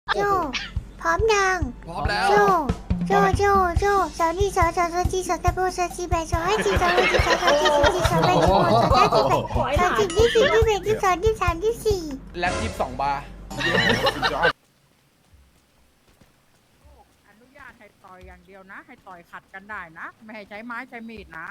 โจพร้อมยังพร้อมแล้วโจสาวนี่สาวจีสาวตะโบสาวจีแบสาวให้จีสาวให้จีสาวจีสาวแบสาวสาวจีแบสาวจีที่สี่ที่แบที่สองที่สามที่สี่แล็บ22 บาร์อนุญาตให้ต่อยอย่างเดียวนะ ให้ต่อยขัดกันได้นะ ไม่ให้ใช้ไม้ใช้มีดนะ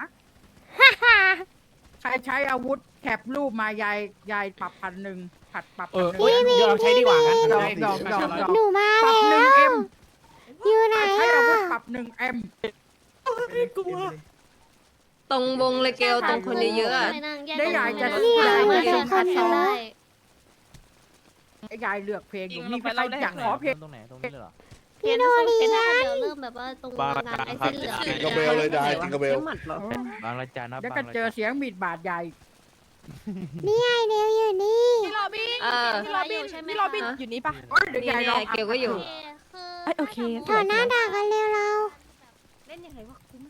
ใครใช้อาวุธแคปรูปมายายปรับ1,000ผัดปรับ1,000 พี่ใช้ดีกว่างั้นดอกหนูมาปรับแล้ว 1M อยู่ไหนใช้อาวุธอ่ะปรับ1M ตรงวงเลยเกลตรงคนเยอะๆอะได้ยายจะเนี่ยเหมือนยายสองคนเนาะยายเลือกเพลงอยู่มีใครอยากขอเพลงตรงไหนตรงนี้เลยเหรอพี่โดเรียนเดี๋ยวเริ่มแบบว่าตรงงานไอ้เส้นเหลืองจิงกระเบลเลยได้จิงกระเบลบางระจันนะเดี๋ยวบาก็งระเจอจันเสียงมีดบาดใหญ่นี่ไงเดียวอยู่นี่พี่โรบินเออพี่โรบินใช่ไหมพี่โรบินอยู่นี่ปะโอ้ยเดี๋ยวนี่ยายลแน่องเกลก็อยู่โอเคถอดหน้าด่ากันเร็วเราเล่นยังไงวะคุ้ม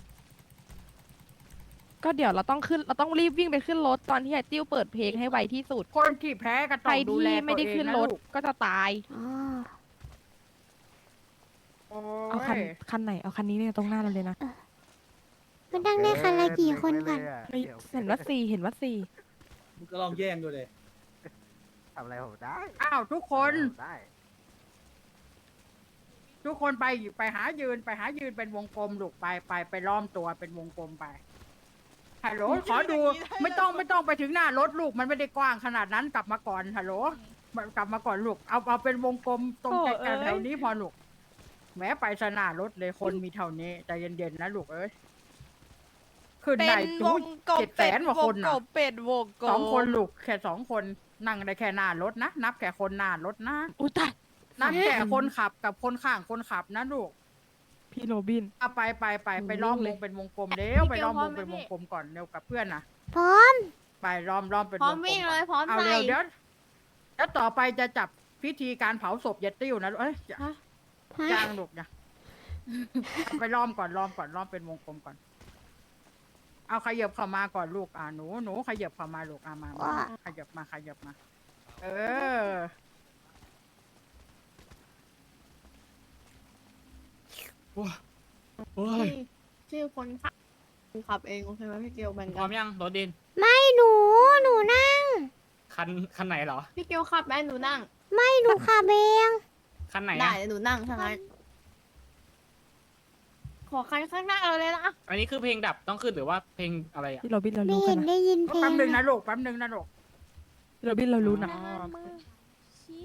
ก็เดี๋ยวเราต้องรีบวิ่งไปขึ้นรถตอนที่ไอ้ติ้วเปิดเพลงให้ไวที่สุดคนที่แพ้ก็ใคต้รองดูที่แลไม่ได้ขึ้นรถก็จะตายอ๋อเอาคันไหนเอาคันนี้เนี่ยตรงหน้าเราเลยนะมันตั้งได้คันละกี่คนก่อนเฮ้ยเห็นว่าสี่เห็นว่าสี่มึงก็ลองแย่งดูเลยทำอะไรผมได้อ้าวทุกคนได้ทุกคนไปหายืนเป็นวงกลมลูกไปล้อมตัวเป็นวงกลมไปฮัลโหลขอดูไม่ต้องไปถึงหน้ารถลูกมันไม่ได้กว้างขนาดนั้นกลับมาก่อนฮัลโหลกลับมาก่อนลูกเอาเป็นวงกลมตรงใจกลางแถวนี้พอลูกแม้ไปสนารถเลยคนมีเท่านี้ใจเย็นๆนะลูกเอ้ยขึ้นเป็ได้นถึวงงกบ 700,000 กว่าคนกน่ะบเป็ดวงกบ 2 คนลูกแค่2 คนนั่งได้แค่หน้ารถนะนับแค่คนหน้ารถนะอุ้ยตายนับแค่คนขับกับคนข้างคนขับนะลูกพี่โรบินเอาไปล้อมวงเป็นวงกลมเร็วไปล้อมวงเป็นวงกลมก่อนเร็วกับเพื่อนนะพร้อมไปล้อมเป็นวงกลมพร้อมวิ่งเลยพร้อมเอาใส่เร็วเดี๋ยวแล้วต่อไปจะจับพิธีการเผาศพยายติ้วนะเอ้ยจ้างลูกนะเอาไปล้อมเป็นวงกลมก่อน เอาขยับเข้ามาก่อนลูกหนูขยับเข้ามาลูกมาขยับมาเออโอ้ยชื่อคนขับเองโอเคไหมพี่เกลแบ่งพกัร้อมยังรถดินไม่หนูนั่งคันไหนเหรอพี่เกลขับแม่หนูนั่งไม่หนูขับเองคันไหนได้อ่ะหนูนั่งทางนั้นขอคันข้างหน้าเราเลยนะอันนี้คือเพลงดับต้องขึ้นหรือว่าเพลงอะไรอ่ะพี่โรบินเราไม่รู้กัเห็นนนะได้ยินเพลแป๊บนึงงนะลูกพี่โรบินเรารู้นะชี้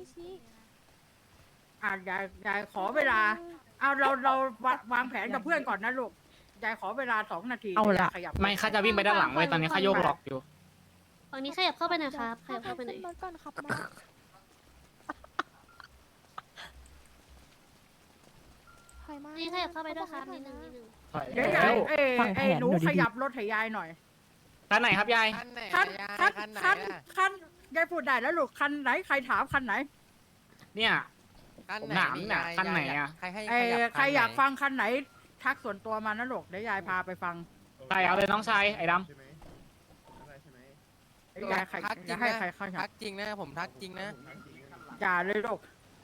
ยายขอเวลา เอาเราวางแผนกับเพื่อนก่อนนะลูก ยายขอเวลา2 นาทีเอาละขยับไม่ข้าจะวิ่งไปด้านหลังเว้ยตอนนี้ข้าโยกหลอกอยู่ฝั่งนี้ขยับเข้าไปหน่อยครับขยับเข้าไปหน่อยรถก่อนครับมาถอยมานี่ขยับเข้าไปด้วยครับนิดนึงเดี๋ยวยายหนูขยับรถให้ยายหน่อยคันไหนครับยายคันยายพูดได้แล้วลูก คันไหนใครถามคันไหนเนี่ยผมถามเนี่ยคันไหนอ่ะใครอยากฟังคันไหน ทักส่วนตัวมานะลูก เดี๋ยวยายพาไปฟังใครเอาเลยน้องชายไอ้ดยายจะให้ใครเข้าทักจริงนะผมทักจริงนะอย่าเลยลูก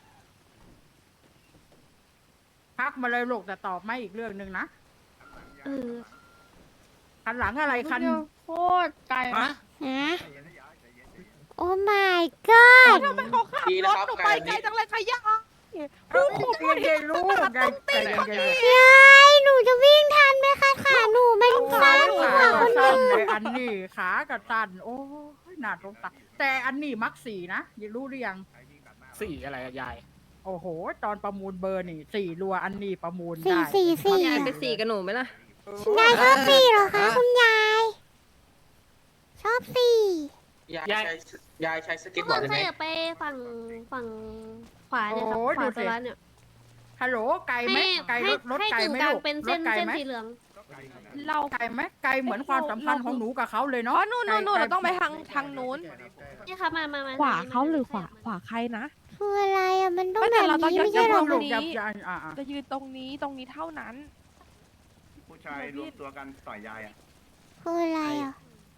ทักมาเลยลูกแต่ตอบไม่อีกเรื่องหนึ่งนะเออคันหลังอะไรคันโคตรไกลำฮะฮะโอ้ my god ทำไมเขาขับรถหนูไปไกลจังเลยขยะลูกเย็นๆลูกใจเย็นยายหนูจะวิ่งทันไหมคะขาหนูมันๆสั้นกขาว่าคก็นสั้นอื่นเลยอันนี้ขาก็สั้นโอ้ยหนาตรงตาแต่อันนี้มักสี่นะยังรู้หรือยังสี่อะไรอะยายโอ้โห ตอนประมูลเบอร์นี่4 รัวอันนี้ประมูลสี่ได้สี่สี่ยายไปสี่กับหนูไหมล่ะยายชอบสี่เหรอคะคุณยาย ชอบสี่ยายใช้สทุเก็กตคบอร์ดนได้ขไหมยับไปฝั่งขวาเนี่ยครับขวาตัวร้านเนี่ยฮัลโหลไกลไหมไกลรถให้ไกลกึ่งไหมกลางลูกเป็นรเส้ถนไกลเส้นไหมสีเหลืองเราไกลไหมไกลเหมือนความสัมพันธ์ของหนูกับเขาเลยอ๋เนาะอนู่นเราต้องไปทางนู้นนี่ครับมาขวาเขาหรือขวาใครนะคืออะไรอ่ะมันต้องไม่แบแต่บเราต้องนี้ไม่ยัใช่ดเหรอตรงนี้อ่าจะยืนตรงนี้เท่านั้นผู้ชายรวมตัวกันต่อยยายอ่ะคืออะไรอ่ะ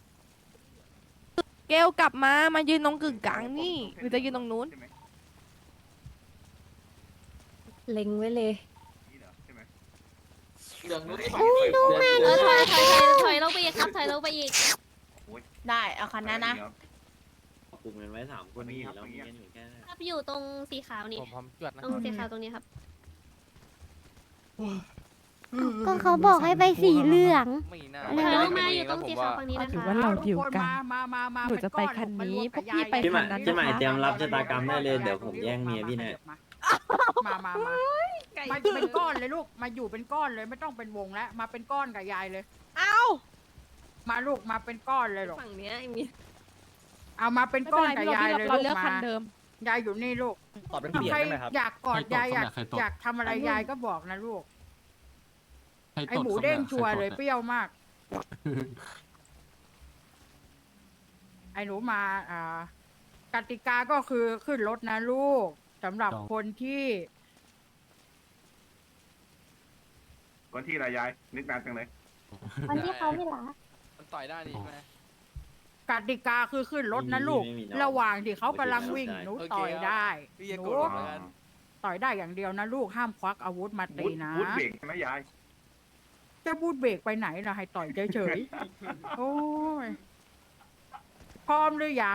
เกลกลับมายืนตรงกึ่งกลางนี่หรือจะยืนตรงนู้นเล็งไว้เลยนี่เหรอใช่ไหมเหลืองนู้นอุ้ยดูมาถอยลงไปอีกครับ ถอยลงไปอีกได้เอาคันนั้นนะกลุ่มกันไว้3 คนนี่แล้วมีกันอยู่แค่ครับอยู่ตรงสีขาวนี่ผมพร้อมจวดนะตรงสีขาวตรงนี้ครับก็เขาบอกให้ไปสีเหลืองไม่น่าถอยลงมาอยู่ตรงสีขาวฝั่งนี้นะถือคะว่าเราเดียวกันมาหนูจะไปคันนี้พวกพี่ไปพี่ใหม่คันนั้นพี่ใหม่นะคะเตรียมรับชะตากรรมได้เลยเดี๋ยวผมแย่งเมียพี่แน่มาเป็นก้อนเลยลูกมาอยู่เป็นก้อนเลยไม่ต้องเป็นวงแล้วมาเป็นก้อนกับยายเลยเอ้ามาลูกมาเป็นก้อนเลยลูกฝั่งเนี้ยไอ้มีเอามาเป็นไม่ก้เป็อน นไรกับพี่ยายเราเลยเราลูกเลือกคัมานเดิมยายอยู่นี่ลูกตอบเป็นเปลี่ยนใครได้ไหมครับอยากกอดยายอยากทำอะไรยายก็บอกนะลูกไอหมูเด้งชัวร์เลยเปรี้ยวมาก ไอหนูมากติกาก็คือขึ้นรถนะลูกสำหรับคนที่คนที่อะไรยายนึกนานจังเลยวันที่เขาไม่หลามันต่อยได้นี่ใช่ไหมกติกาคือขึ้นรถนะลูกไม่มีน้องระหว่างที่เขากำลังวิ่งโอเคหนูโอเคต่อยได้พี่จะหกนูดเหมือนกันต่อยได้อย่างเดียวนะลูกห้ามควักอาวุธมาตีนะวุ้นเบรกใช่ไหมยายจะพูดเบรกไปไหนล่ะให้ต่อยเฉยๆ โอ้ยพร้อมหรือยัง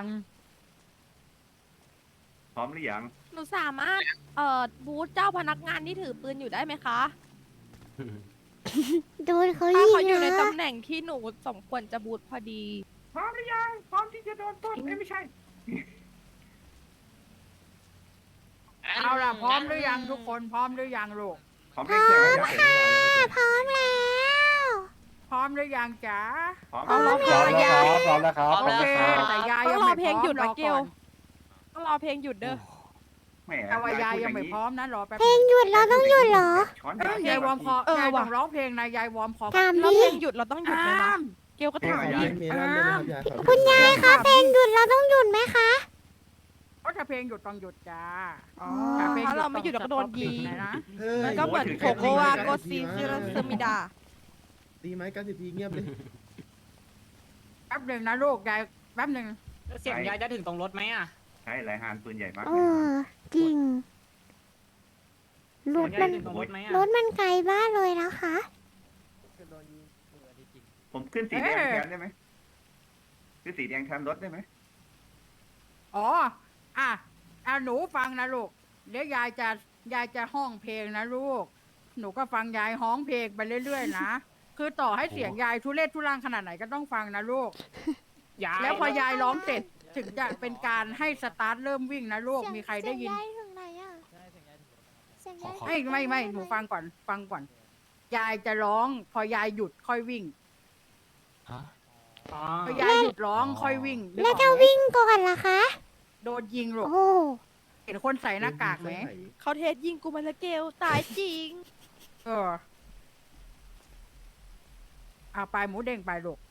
พร้อมหรือยังหนูสามารถบูธเจ้าพนักงานที่ถือปืนอยู่ได้ไหมคะโดนเขาถ้ายิเขางอยู่ในนะตำแหน่งที่หนูสมควรจะบูธพอดีพร้อมหรือยังพร้อมที่จะโดนต้นไม่ใช่เอาล่ะพร้อมหรือยังทุกคนพร้อมหรือยังลูกพร้อมเร่งเครื่องยายพร้อมแล้วพร้อมหรือยังจ๋าพร้อมเอารอเพลพร้อมงแล้วครับพร้อมแล้วครับโอเคแต่ยายต้ยัอง งรอไม่เพลงพร้อมหยุดรนะอเกก่ลอนต้องรอเพลงหยุดเด้อแหมแต่ว่ายายพูดยังอไม่นี้พร้อมนะรอแป๊บเพลงหยุดเราต้องหยุดเหรอช้อนยายวอร์มคอเออยายว่ะต้องร้องเพลงนะยายวอร์มคอตามแล้วนี้เพลงหยุดเราต้องหยุดเลยนะอ้ามเกลก็ถามคุณยายคะเพลงหยุดเราต้องหยุดไหมคะเพราะถ้าเพลงหยุดต้องหยุดจ้าอ๋อถ้าเพลงถ้าเราไม่หยุดเราก็โดนยิงนะมันก็เหมือนโคโกวาโกซีซิรสมิดาตีไม้90 ทีเงียบเลยแป๊บหนึ่งนะลูกยายแป๊บหนึ่งเสียงยายจะถึงตรงรถไหมอ่ะใช่ไรฮานปืนใหญ่มากเออจริงรถเสียงมัยาน ยถึงตรงรถไหมอ่ะรถมันไกลบ้านเลยนะคะผมขึ้นสีแดงแทนได้ไหมขึ้นสีแดงแทนรถได้ไหมอ๋อหนูฟังนะลูกเดี๋ยวยายจะห้องเพลงนะลูก หนูก็ฟังยายห้องเพลงไปเรื่อยๆนะคือต่อให้เสียงยายทุเรศทุรังขนาดไหนก็ต้องฟังนะลูกยายแล้วพอยายร้องเสร็จถึงจะเป็นการให้สตาร์ทเริ่มวิ่งนะลูกมีใครได้ยินเสีงยายถึงไหนอะเสียงยายไม่หนูฟังก่อนยายจะร้องพอยายหยุดค่อยวิ่งอ๋อพอยายหยุดร้องค่อยวิ่งนึกอแล้อวกถ้าไหมวิ่งก่อนล่ะคะโดนยิงลูกโอ้เห็นคนใส่หน้ากากไหมเขาเทสยิงกูมาแล้วเกลตายจริงเอาไปหมูเด้งไปลูก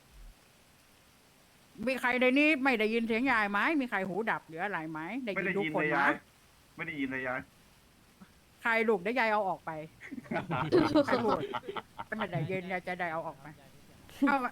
มีใครในนี้ไม่ได้ยินเสียงยายไหมมีใครหูดับหรืออะไรไหมได้ไม่ยินได้ทุกยินคนเลยนะยายไม่ได้ยินเลยยายใครลูกได้ยายเอาออกไปใครพูดไม่ได้ยินยายจะได้เอาออกไปเอามา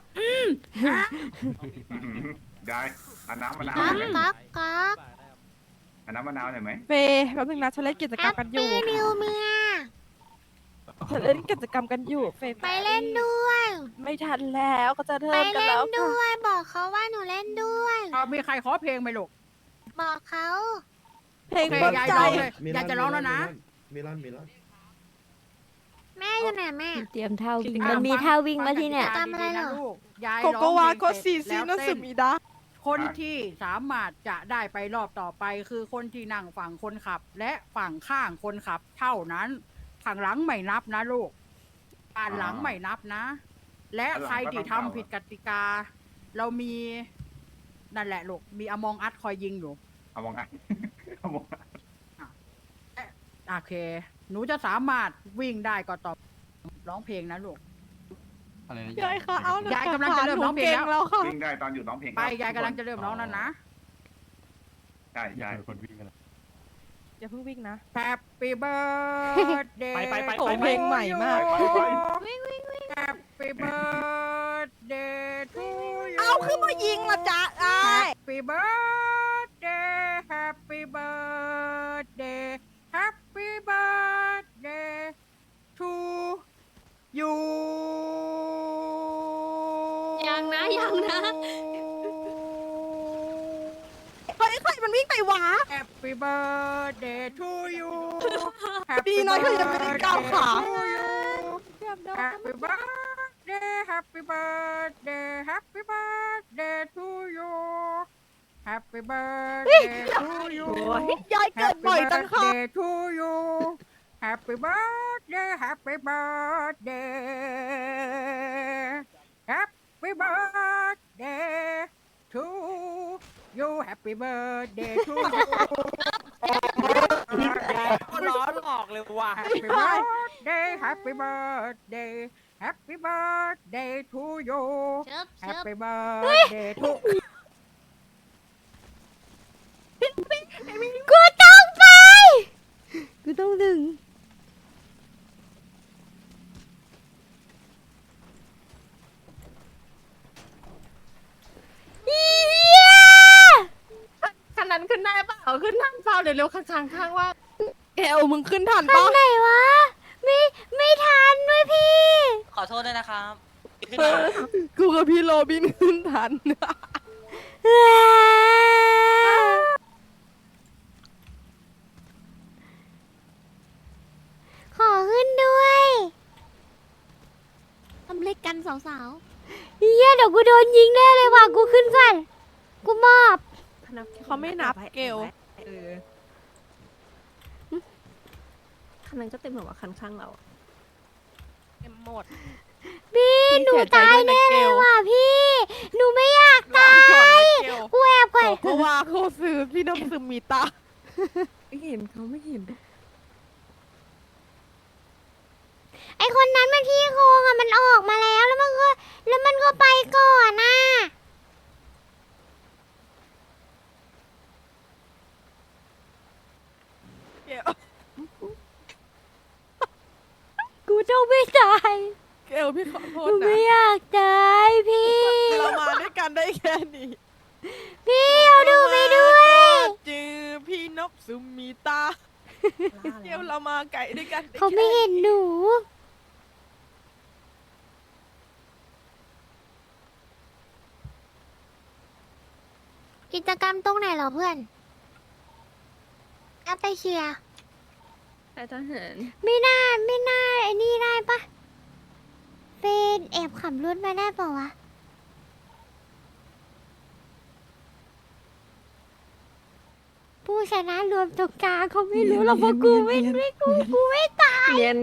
ยายเอาน้ำมะนาวก๊อกหน่อยไหมก๊อกก๊อกเอาน้ำมะนาวหน่อยไหมเฟแป๊บนึงนะฉันเล่นกิจกรรมกันอยู่ปี้นิวเมียฉันเล่นกิจกรรมกันอยู่เฟไปเล่นด้วยไม่ทันแล้วก็จะเริ่ไปมกันเล่แล้นวด้วย บอกเขาว่าหนูเล่นด้วยเอามีใครขอเพลงไหมลูกบอกเขาเพลงโอเคปลอบยายใจร้องเลยยายจะร้องแล้วนะเมลอนแม่อยู่ไหนแม่เตรียมเท่าวิ่งอ่ะมันมีฟังท่าวิ่งมาฟัที่เนี่ยกติกาดีๆะลูกยายโกร้โกองวาเพโกลงซีเสร็จซิแล้วนเต้สึนมิดาคนที่สามารถจะได้ไปรอบต่อไปคือคนที่นั่งฝั่งคนขับ และฝั่งข้างคนขับ เท่านั้นข้างหลังไม่นับนะลูกด้านหลังไม่นับนะ และใครที่ทำผิดกติกา เรามีนั่นแหละลูกมีอมองอัดคอยยิงอยู่เอามองไงเอามองโอเค หนูจะสามารถวิ่งได้ก็ต่อร้องเพลงนะลูกอะไรนะยายค่ะเอายายกำลังจะเริ่มร้องเพลงแล้วแล้วค่ะวิ่งได้ตอนอยู่ร้องเพลงไปยายกำลังจะเริ่มร้องแล้วนะใช่ใช่คนวิ่งกันอย่าเพิ่งวิ่งนะ Happy birthday ไปโอ้เพลงใหม่มาก Happy birthday to you เอาขึ้นมายิงละจ๊ะไอ้ Happy birthday Happy birthday Happy birthday ยังนะเฮ้ยใครมันวิ่งไปวะ Happy birthday to you ดีน้อยเขายังไม่ได้ก้าวขา Happy birthday Happy birthday Happy birthday to you Happy birthday to you ยายเกิดบ่อยจังค่ะ Happy birthday to you Happy birthday Happy birthday Happy birthday to you Happy birthday to you ร้อนออกเลยว่ะ Happy birthday Happy birthday Happy birthday to you เชิบเชิบ Happy birthday to กูต้องไป กูต้องดึง เหี้ยคันนั้นขึ้นได้เปล่าขึ้นทันเปล่าเดี๋ยวเร็วข้างๆว่าเอลมึงขึ้นทันคัปะนไหนวะ ไม่ทันด้วยพี่ขอโทษด้วยนะครับกูกับพี่โรบินขึ้นทันขอขึ้นด้วยทำเล็กกันสาวเฮียเดี๋ยวกูโดนยิงแน่เลยว่ะ กูขึ้นก่อน กูมอบเขาไม่นับเกลคันนั้นก็เต็มหรอวะคันข้างเราอะเต็มหมดพี่หนูเสียใจตายด้วยนะแน่เกเลยลว่ะพี่ หนูไม่อยากตาย กูแอบก่อนเพราะว่าเขาซื้อพี่น้ำซึมมีตาไม่เห็นเขาไม่เห็นไอคนนั้นมันพี่โคงอ่ะมันออกมาแล้วแล้วมันก็ไปก่อนน่ะเกลกูต้องไม่ตายเกลพี่ขอโทกูษนะไม่อยากตายพี่เรามาด้วยกันได้แค่นี้พี่เอาดูไปด้วยจือพี่นกซึมมีตาเกลเรามาไก่ด้วยกันด้เขาไม่แค่เห็นหนู กิจกรรมตรงไหนเหรอเพื่อนเอาไปเชียร์แต่ทหารไม่น่าไอ้นี่ได้ปะเป็นแอบขับรถมาได้ปะวะ ผู้ชนะรวมตรงกลางเขาไม่รู้หรอกว่ากูไม่ตายเนียน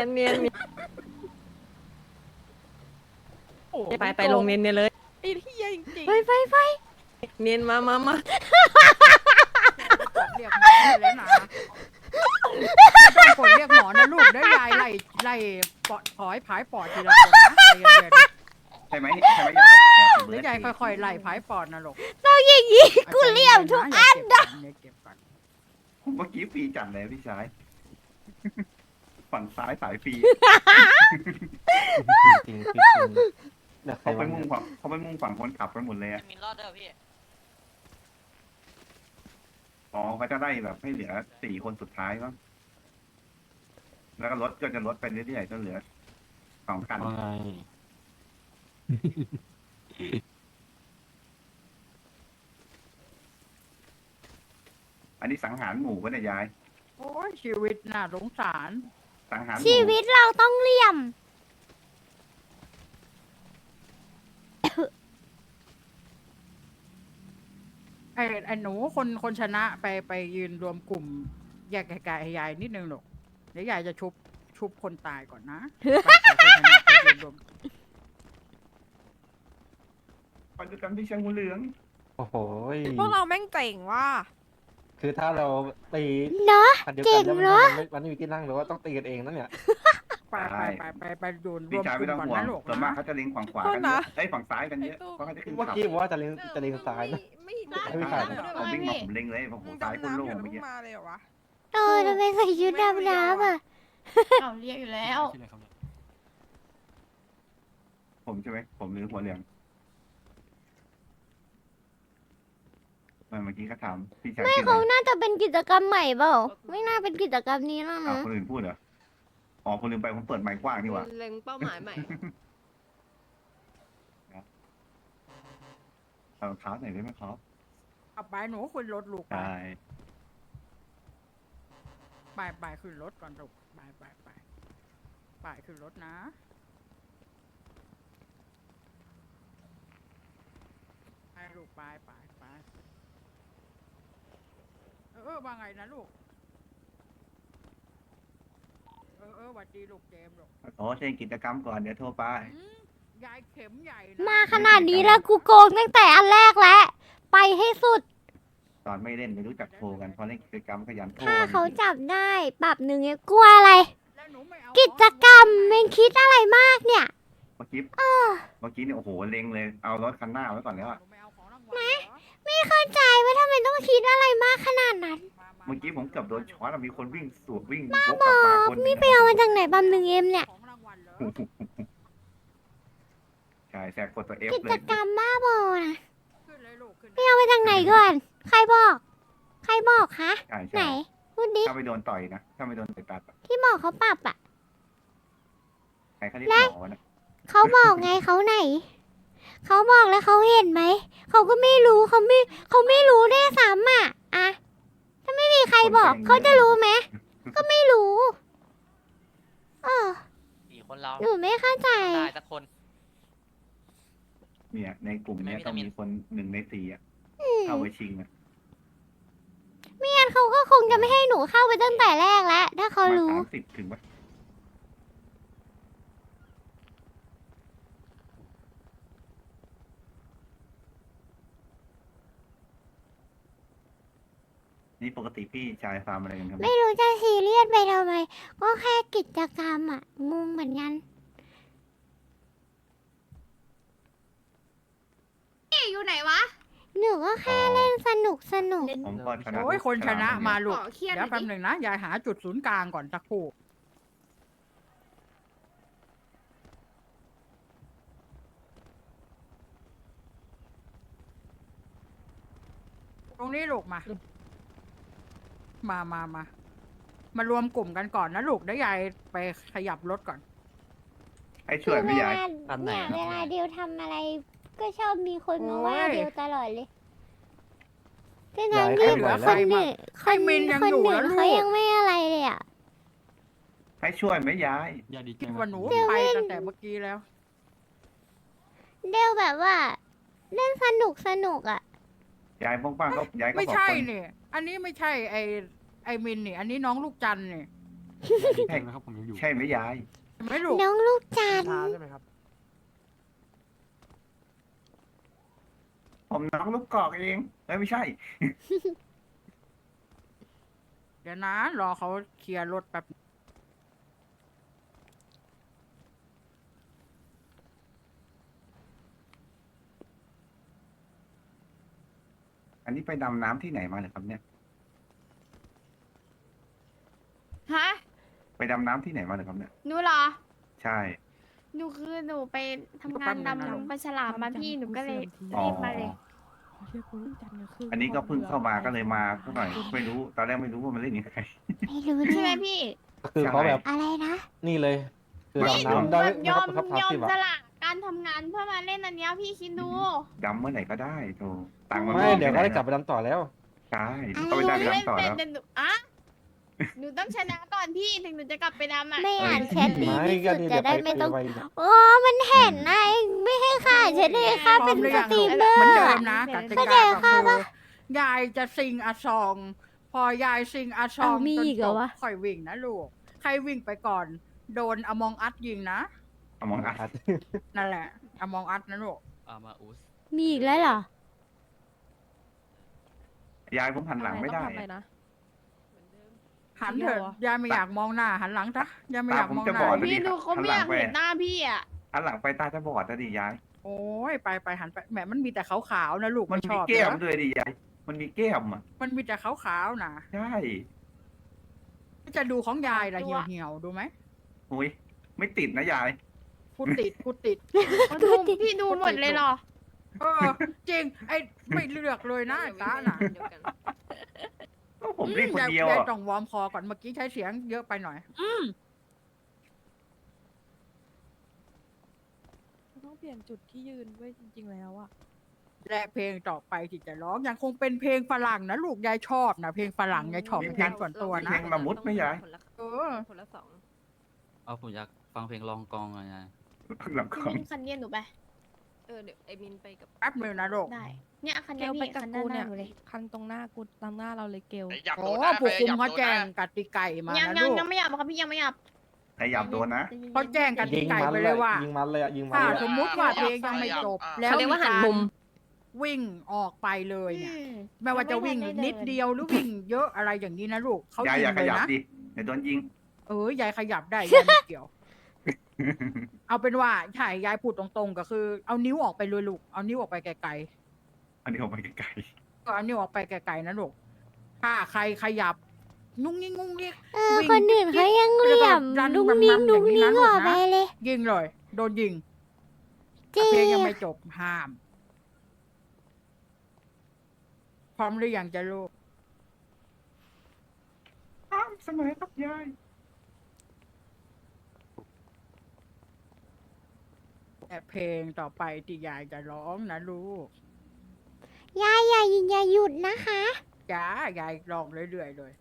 โอ้โหไปลงเนียนเลยไอ้ที่จริงไปเนียนมาเรียกหมอเลยนะไม่ต้องกดเรียกหมอนะลูกเดี๋ยวยายไล่ปอดถอยผายปอดทีละคนนะใจเย็นใช่ไหมใช่ไหมยายๆเดี๋ยวยายค่อยๆไล่ผายปอดนะลูกต้องอย่างนี้กูเรียบทุกอันนะเก็บก่อนผมเมื่อกี้ฟรีจัดเลยพี่ชาย ฝั่งซ้ายสายฟรีจริงๆเขาไปมุ่งฝั่งคนขับกันหมดเลยอะมีรอดด้วยพี่อ๋อเขาจะได้แบบให้เหลือ4 คนสุดท้ายมั้งแล้วก็ลดก็จะลดไปเรื่อยๆจนเหลือ2 คัน อันนี้สังหารหมู่ปะเนี่ยยายโอ้ยชีวิตน่าสงสารสังหารหมู่ชีวิตเราต้องเหลี่ยมไอ้หนูคนชนะไปยืนรวมกลุ่มแยกไกลๆให้ยายนิดนึงหรอกเดี๋ยวยายจะชุบคนตายก่อนนะไปคนชนะไปยืนรวมไปด้วยกันพี่ชายหัวเหลืองโอ้โหพวกเราแม่งเจ๋งว่ะคือถ้าเราตีเนาะคันเดียวเก่กันงแล้วเนอะมันไม่มีที่นั่งหรือว่าต้องตีกันเองนั่นเนี่ยไปดูรพี่วมชายกไม่ลุ่ต้อมงก่อนห่วงนะลูกส่วนมากนะเขาจะเล็งฝั่งขวากันเยอะฝั่งซ้ายกันเยอะเพราะเขาจะขึ้นเมื่อขับกี้บอกว่าจะเล็งซ้ายนะไม่ไม่มีใครผมวิ่งมาผมเล็งเลยผมซ้ายคุณโล่งเมื่อกี้มาเลยเหรอวะทำไมใส่ชุดดำน้ำอ่ะเราเรียกอยู่แล้วผมใช่ไหมผมหรือหัวเหลืองเมื่อกี้เขาถามพี่ชายไม่ชื่อเขาอะไรน่าจะเป็นกิจกรรมใหม่เปล่า ไม่น่าเป็นกิจกรรมนี้แล้วอ้าวนะคนอื่นพูดเหรออ๋อคนลืมไปผมเปิดไมค์กว้างนี่หว่าเล็งเป้าหมายใหม่เอารองเท้าหน่อยได้ไหมครับเอาไปหนูขึ้นรถลูกไปใช่ไปขึ้นรถก่อนลูกไปขึ้นรถนะไปลูกไปว่าไงนะลูกหวัดดีลูกเจมส์ลูกโอ้เช่นกิจกรรมก่อนเดี๋ยวโทรไปยายเข็มใหญ่นะมาขนาดนี้แล้วกูโกงตั้งแต่อันแรกแล้วไปให้สุดตอนไม่เล่นไม่รู้จักโทรกันพอเล่นกิจกรรมขยันโทรถ้ากันเขาจับได้ปรับ1เนี่ยกลัวอะไรแล้วหนูไม่เอากิจกรรมเมงคิดอะไรมากเนี่ยเมื่อกี้เนี่ยโอ้โหเล็งเลยเอารถคันหน้าไว้ก่อนแล้วอะหนูไม่เอาของรางวัลเหรอไม่เข้าใจว่าทำไมต้องคิดอะไรมากขนาดนั้นเมื่อกี้ผมเกือบโดนช็อตอะมีคนวิ่งสวนวิ่งวกกลับมาคนหนึ่งนี่ไปเอามาจากไหนบัม1Mเนี่ยของรางวัลเหรอใช่แซกกดตัวเอฟกิเลจยกรรมบ้าบอนะขึ้นเลยลูกขึ้นไปเอามาจากไหนก่อน ใครบอกคะใช่ไหนใช่พูดดิถ้าไม่โดนต่อยนะถ้าไม่โดนต่อยตัดอะที่บอกเขาปรับอ่ะใครเขาเรียกหมอนะเขาบอกไงเขาไหน เขาบอกแล้วเขาเห็นไหม เขาก็ไม่รู้เขาไม่รู้ได้วยซ้ำอ่ะอะถ้าไม่มีใครบอกเขาจะรู้ไหม ก็ไม่รู้ 4 คนเราหนูไม่เข้าใจได้สักคนเนี่ยในกลุ่มเนี้ยไม่วิต้อตาง มินมีคน1 ใน 4อะเข้าไปชิงอะไม่งั้นเขาก็คงจะไม่ให้หนูเข้าไปตั้งแต่แรกแล้ว ถ้าเขามารู้ 30ถึงปะนี่ปกติพี่ชายฟาร์มอะไรกันครับไม่รู้จะซีเรียสไปทำไม ก็แค่กิจกรรมอ่ะ งงเหมือนกันอยู่ไหนวะ หนูก็แค่เล่นสนุกผมก็ชนะโอ้ยคนชนะมาลูกขอเครียดเดี๋ยวแป๊บหนึ่งนะยายหาจุดศูนย์กลางก่อนสักครู่ตรงนี้ลูกมามารวมกลุ่มกันก่อนนะลูกเดี๋ยวยายไปขยับรถก่อนให้ช่วยไม่ใหญ่อันไหนเนี่ยครับเวลาเดียวทำอะไร ก็ชอบมีคนมาว่าเดียวตลอดเลยทั้งย้ายที่ขึ้นไหวคแล้วนหนึ่งไอ้มินยังคนอยู่หนึ่งแล้วลูกเขายังไม่อะไรเลยอ่ะให้ช่วยไหมยายคิดว่าหนูไปตั้งแต่เมื่อกี้แล้วเดียวแบบว่า เล่นสนุกอ่ะยายป้องๆก็ยายก็ไม่บอกใช่คนนี่ อันนี้ไม่ใช่ไอ้มินนี่ อันนี้น้องลูกจันทร์นี่ใช่ใช่ไหมยายเห็นไหมลูกน้องลูกจันทร์ผมน้องลูกกอกเองไม่ใช่เดี๋ยวนะรอเขาเคลียร์รถแป๊บอันนี้ไปดำน้ำที่ไหนมาเหรอครับเนี่ยฮะไปดำน้ำที่ไหนมาเหรอครับเนี่ยหนูเหรอใช่หนูคือหนูไปทำงานดำลงปลาฉลามมาพี่หนูก็เลยอ๋อรีบมาเลยอันนี้ก็เพิ่งเข้ามาก็เลยมาสักหน่อยไม่รู้ตอนแรกไม่รู้ว่ามันเล่นยังไงไม่รู้ใช่ไหมเนี่ยพี่คือเขาแบบอะไรนะนี่เลย คือไม่ดำน้ำได้แบบยนะอคมรับครับยอมที่แบสบละการทำงานเพื่อมาเล่นอันเนี้ยพี่คิดดูดำเมื่อไหร่ก็ได้โธ่ตังค์มันไม่เดี๋ยวก็ได้กลับไปดำต่อแล้วใช่ก็ไปได้ไปเล่นดำต่อเป็นแล้วแต่หนูอะหนูต้องชนะก่อนพี่ถึงหนูจะกลับไปดำอ่ะไม่อ่านแชทดีไม่ที่ก็สุดนี่จะเดี๋ยวได้ไปไม่ต้องไปโอ้มันเห็นนะเองไม่ให้ค่าฉันเลยค่าเป็นสตรีมเมอเหมือนร์เดิอะมนะกติเข้าใจกาก็ค่ะคือปะยายจะซิงอาซอง พอยายซิงอาซองเอามีจนอีกเหจรอบ วะค่อยวิ่งนะลูก ใครวิ่งไปก่อน โดนอมองอัดยิงนะเอามองอัดนั่นแหละอมองอัดนะลูกมาอุสมีอีกแล้วเหรอยายผมหันหลังไม่ได้ต้องทำอะไรนะหันเถอะยายไม่อยากมองหน้า หันหลังจ้ะยายไม่อยากมองหตาผมจะน้าบอดพี่ดูเขาไม่อยากเห็นหน้าพี่อ่ะหันหลังไปตาจะบอดนะดิยายโอ้ยไปหันไปแหมมันมีแต่ขาวๆนะลูกมันไชมีอบแก้มนะด้วยดิยายมันมีแก้มอ่ะมันมีแต่ขาวๆนะใช่จะดูของยายละตัวเหี่ยวๆดูไหมอุ้ยไม่ติดนะยายกูติดดูพี่ดูหมดเลยเหรอเออจริงไอ้ไม่เลือกเลยนะไอ้ตาน่ะก็ผมเล่นคนเดียวาอ่ะต้องวอร์มคอก่อนเมื่อกี้ใช้เสียงเยอะไปหน่อยต้องเปลี่ยนจุดที่ยืนด้วยจริงๆแล้วอะและเพลงต่อไปที่จะร้องยังคงเป็นเพลงฝรั่งนะลูกยายชอบนะเพลงฝรั่งยายชอบเป็นการส่วนตัวนะเพลงละมุดไม่ยายเออคนละสองเอาผมอยากฟังเพลงลองกองหน่อยไงหลังของมินคันเนียนหนูไปเดี๋ยวไอมินไปกับแป๊บนึงนะลูกได้ เนี่ยคันเกเนียนลไปนี่กับคันกูหน้าเนี่ยหนูเลยคันตรงหน้ากูตามหน้าเราเลยเกลหยับโดโอ้นนะผู้คุมเขาหยับโดนแจ้งนะกติไก่มายังนะยังลูกยังไม่หยับครับพี่ยังไม่หยับใครหยับโดนนะเขาแจ้งกติยิงไก่มันไปเลเลย ยว่ายิงมันเลยอะยิงมันถ้าเลยสอะมมุติว่าเพลงยังไม่จบ แล้วเขาเรียกว่าหันมุมวิ่งออกไปเลยเนี่ยไม่ว่าจะวิ่งนิดเดียวหรือวิ่งเยอะอะไรอย่างนี้นะลูกเขายายยิอย่าง ขเลยยับนะดิเดี๋ยวโดนยิงยายขยับได้ยายไม่เกี่ยว เอาเป็นว่าใช่ยายพูดตรงๆก็คือ เอานิ้วออกไปเลยลูกเอานิ้วออกไปไกลอันนี้ออกไปไกลๆก็เอานิ้วออกไปไกลๆนะลูกถ้าใครขยับงุ้งงิ้งงุ้งงิ้ง วิ่งคนอื่นเขายังเหลี่ยมแล้วก็รันนุ่งนิ่งแบบนั้นนุ่งนิ่งอย่างนี้นะออกไปลูกนะเลยยิงเลยโดนยิงจริเพลงงยังไม่จบห้าม พร้อมหรือยังจะลูกๆอ้าวเสมอครับยายแต่เพลงต่อไปที่ยายจะร้องนะลูกยายอย่าหยุดนะคะจ้ายายร้องเรื่อยๆเลย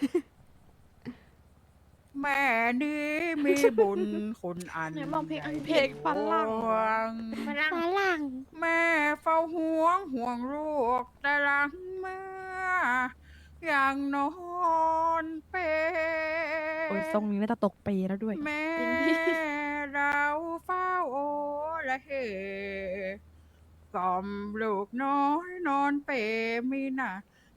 แม่นี้มีบุญคุณอันไหนบอกเพลงอังกฤษเพลงฝรั่งหลวงฝรั่งฝรั่งแม่เฝ้าห่วงลูกแต่หลังเมื่อยังนอนเปรโอ้ยทรงนี้น่าจะตกเปรย์แล้วด้วยแม่เราเฝ้าโอละเหกล่อมลูกน้อยนอนเปรมีน่ะ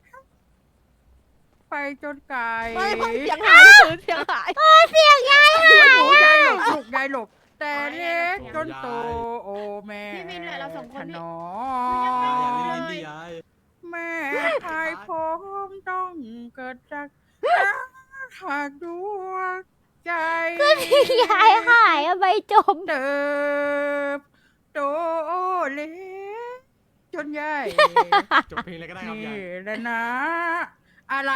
ไปจนไกลไม่เสียงหายคือเสียงหายเสียงยายหนูยายหลบลูกยายหลบ แต่เล็กจนโตโอแม่พี่มินเหลือเราสองคนถพี่นออย่าเล่นดิยายแม่ชายผมต้องเกิดจากหากดวงใจยายหายอะใบจมเติบโตเล็กจนใหญ่จบเพลงเลยก็ได้ครับนี่ยายแหละนะ อะไร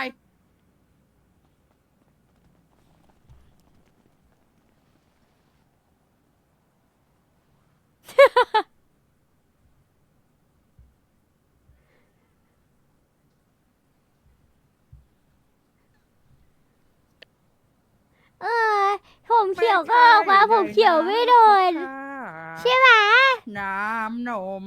เออผมเขียวก็ออกมาผมเขียวไม่โดน ใช่ไหมน้ำนม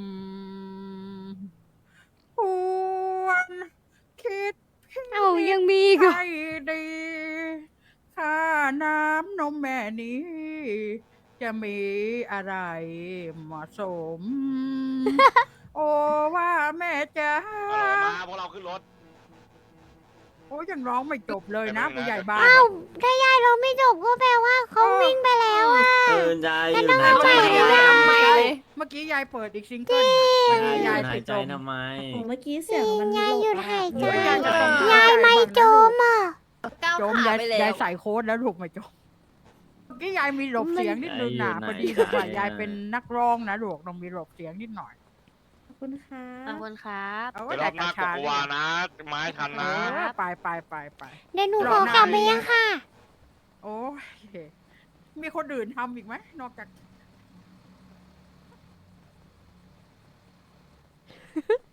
ควรคิดเอายังมีอีกเหรอให้ดีค่าน้ำนมแม่นี้ จะมีอะไรเหมาะสม โอ้ว่าแม่จ๋ามาพวกเราขึ้นรถโอ้ยังร้องไม่จบเลยนะไม่ผู้เป็นไรใหญ่บ้านเอ้าถ้ายายเราไม่จบก็แปลว่าเขาวิ่งไปแล้วอะยายอยู่แล้วไหนต้องใจเอาใหม่เลยเมื่อกี้ยายเปิดอีกซิงเกิลน่ะเมื่อกี้ยายายหาไปยใจจมทำไมเมื่อกี้เสียงมันยายหยุดหายใจยายจะต้องยายไม่จมอ่ะก้าวจมขายายไปแล้วยายใส่โค้ดแล้วถูกไหมจมเมื่อกี้ยายมีหลบเสียงนิดนึงนะมันพอดีแบบว่ายายเป็นนักร้องนะลูกต้องมีหลบเสียงนิดหน่อยขอบคุณค่ะขอบคุณครับเอาเดี๋ยวรแต่อบหน้ากกวานะ ไม้ทันเอนะอไปเดี๋ยวหนูขอกลับไปยังค่ะโอ้ยมีคนอื่นทำอีกไหมนอกจาก